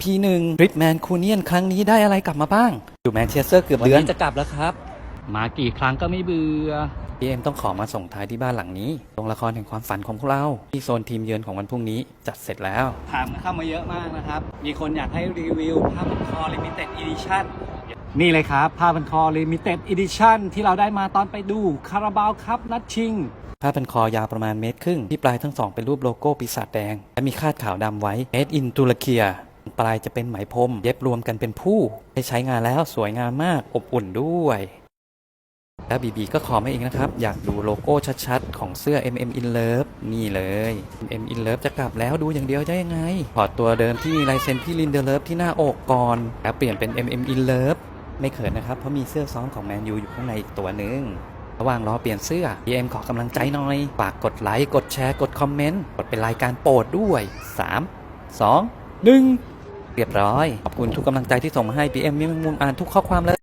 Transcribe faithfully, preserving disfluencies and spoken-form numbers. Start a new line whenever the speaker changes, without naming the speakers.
พี หนึ่ง ทริปแมนคูเนียนครั้งนี้ได้อะไรกลับมาบ้างอยู่แมนเชสเตอร์เกือบเดือน
จะกลับแล้วครับมากี่ครั้งก็ไม่เบื่อ
พี เอ็ม ต้องขอมาส่งท้ายที่บ้านหลังนี้โรงละครแห่งความฝันของพวกเราที่โซนทีมเยือนของวันพรุ่งนี้จัดเสร็จแล้ว
ถามเข้ามาเยอะมากนะครับมีคนอยากให้รีวิวผ้าพันคอ Limited Edition นี่เลยครับผ้าพันคอ Limited Edition ที่เราได้มาตอนไปดูคาราบาวคัพนัดชิง
ผ้าพันคอยาวประมาณเมตรครึ่งที่ปลายทั้งสองเป็นรูปโลโก้ปีศาจแดงและมีคาดขาวดำไว้ Made in ตุรเกียปลายจะเป็นไหมพรมเย็บรวมกันเป็นผู้ได้ใช้งานแล้วสวยงามมากอบอุ่นด้วยแล้วบีบีก็ขอมาเองนะครับอยากดูโลโก้ชัดๆของเสื้อ เอ็ม เอ็ม In Love นี่เลย เอ็ม เอ็ม In Love จะกลับแล้วดูอย่างเดียวได้ยังไงถอดตัวเดิมที่มีลายเซ็นพี่ลินเดอร์เลิฟที่หน้าอกก่อนแล้วเปลี่ยนเป็น เอ็ม เอ็ม In Love ไม่เขินนะครับเพราะมีเสื้อซ้อมของแมนยูอยู่ข้างในอีกตัวหนึ่งระหว่างรอเปลี่ยนเสื้อ พี เอ็ม ขอกำลังใจหน่อยฝากกดไลค์กดแชร์กดคอมเมนต์กดเป็นรายการโปรดด้วยสาม สอง หนึ่งเรียบร้อยขอบคุณทุกกำลังใจที่ส่งมาให้ พี เอ็ม มีมุมอ่านทุกข้อความเลย